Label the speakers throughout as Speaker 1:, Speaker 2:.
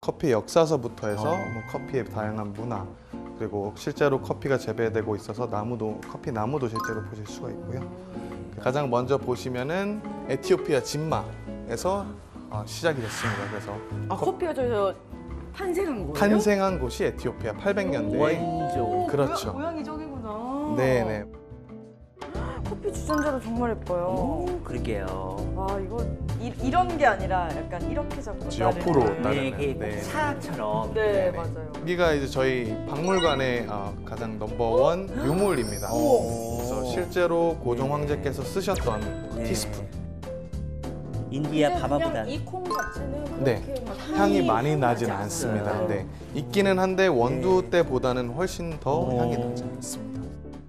Speaker 1: 커피 역사서부터 해서 뭐 커피의 다양한 문화, 그리고 실제로 커피가 재배되고 있어서 커피 나무도 실제로 보실 수가 있고요. 가장 먼저 보시면은 에티오피아 진마에서 시작이 됐습니다. 그래서
Speaker 2: 커피가 저기서 탄생한 거예요?
Speaker 1: 탄생한 곳이 에티오피아 800년대에.
Speaker 3: 원조.
Speaker 1: 그렇죠.
Speaker 2: 모양이 저기구나.
Speaker 1: 네네.
Speaker 2: 커피 주전자도 정말 예뻐요.
Speaker 3: 그러게요.
Speaker 2: 와, 이거 이런 게 아니라 약간 이렇게 잡고
Speaker 1: 옆으로
Speaker 2: 따르는.
Speaker 1: 따르는.
Speaker 3: 이게
Speaker 1: 네.
Speaker 3: 차처럼.
Speaker 2: 네,
Speaker 1: 네네.
Speaker 2: 맞아요.
Speaker 1: 여기가 이제 저희 박물관의 가장 넘버원 유물입니다. 그래서 실제로 고종 황제께서 쓰셨던
Speaker 3: 네.
Speaker 1: 티스푼.
Speaker 3: 인디아
Speaker 2: 그냥
Speaker 3: 바바보다.
Speaker 2: 이 콩 자체는
Speaker 1: 네.
Speaker 2: 그렇게 막
Speaker 1: 향이 많이 나진
Speaker 2: 나지
Speaker 1: 않습니다.
Speaker 2: 않아요.
Speaker 1: 네. 있기는 한데 원두
Speaker 3: 네.
Speaker 1: 때보다는 훨씬 더
Speaker 3: 오.
Speaker 1: 향이 나지 않습니다.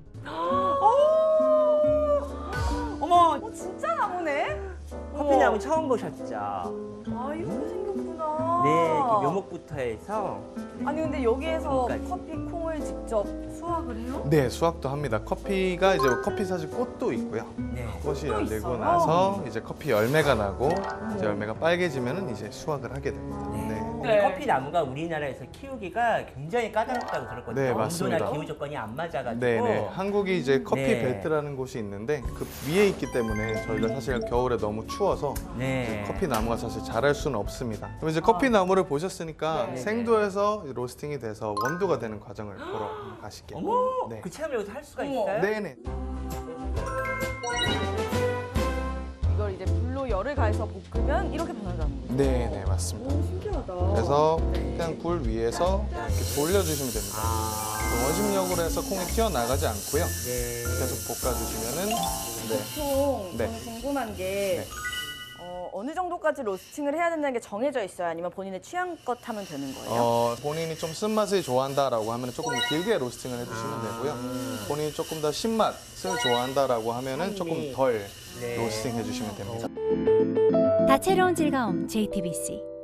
Speaker 2: 어머, 진짜 나무네?
Speaker 3: 커피나무 처음 보셨죠?
Speaker 2: 아, 이렇게 생겼구나.
Speaker 3: 네, 이렇게 묘목부터 해서.
Speaker 2: 아니, 근데 여기에서
Speaker 3: 콩까지.
Speaker 2: 커피 콩을 직접 수확을 해요?
Speaker 1: 네, 수확도 합니다. 커피가 이제 커피 사실 꽃도 있고요.
Speaker 3: 네.
Speaker 1: 꽃이 열리고
Speaker 2: 있어요?
Speaker 1: 나서 이제 커피 열매가 나고 이제 열매가 빨개지면은 이제 수확을 하게 됩니다.
Speaker 3: 네.
Speaker 1: 네.
Speaker 3: 근데
Speaker 2: 네.
Speaker 3: 커피 나무가 우리나라에서 키우기가 굉장히 까다롭다고 들었거든요.
Speaker 1: 네, 맞습니다.
Speaker 3: 온도나 기후 조건이 안 맞아가지고.
Speaker 1: 네네. 한국이 이제 커피
Speaker 3: 네.
Speaker 1: 벨트라는 곳이 있는데 그 위에 있기 때문에 저희가 사실 겨울에 너무 추워서
Speaker 3: 네.
Speaker 1: 커피 나무가 사실 자랄 수는 없습니다. 그럼 이제 커피 나무를 보셨으니까
Speaker 2: 네.
Speaker 1: 생도에서 로스팅이 돼서 원두가 되는 과정을 보러 가실게요.
Speaker 3: 어머,
Speaker 1: 네.
Speaker 3: 그 체험을 여기서 할 수가
Speaker 2: 어머.
Speaker 3: 있어요?
Speaker 1: 네네.
Speaker 2: 이걸 이제 불로 열을 가해서 볶으면 이렇게 변한다는 거죠?
Speaker 1: 네네, 맞습니다.
Speaker 2: 오, 신기하다.
Speaker 1: 그래서
Speaker 2: 네.
Speaker 1: 그냥 불 위에서 이렇게 돌려주시면 됩니다.
Speaker 3: 아.
Speaker 1: 원심력으로 해서 콩이 튀어나가지 않고요.
Speaker 3: 네.
Speaker 1: 계속 볶아주시면은 네.
Speaker 2: 보통
Speaker 1: 네.
Speaker 2: 저는 궁금한 게
Speaker 1: 네.
Speaker 2: 어느 정도까지 로스팅을 해야 된다는 게 정해져 있어요? 아니면 본인의 취향껏 하면 되는 거예요?
Speaker 1: 본인이 좀 쓴맛을 좋아한다라고 하면 조금 더 길게 로스팅을 해주시면 되고요. 본인이 조금 더 신맛을 좋아한다라고 하면은 조금 덜
Speaker 3: 네.
Speaker 1: 로스팅 해주시면 됩니다.
Speaker 4: 다채로운 즐거움 JTBC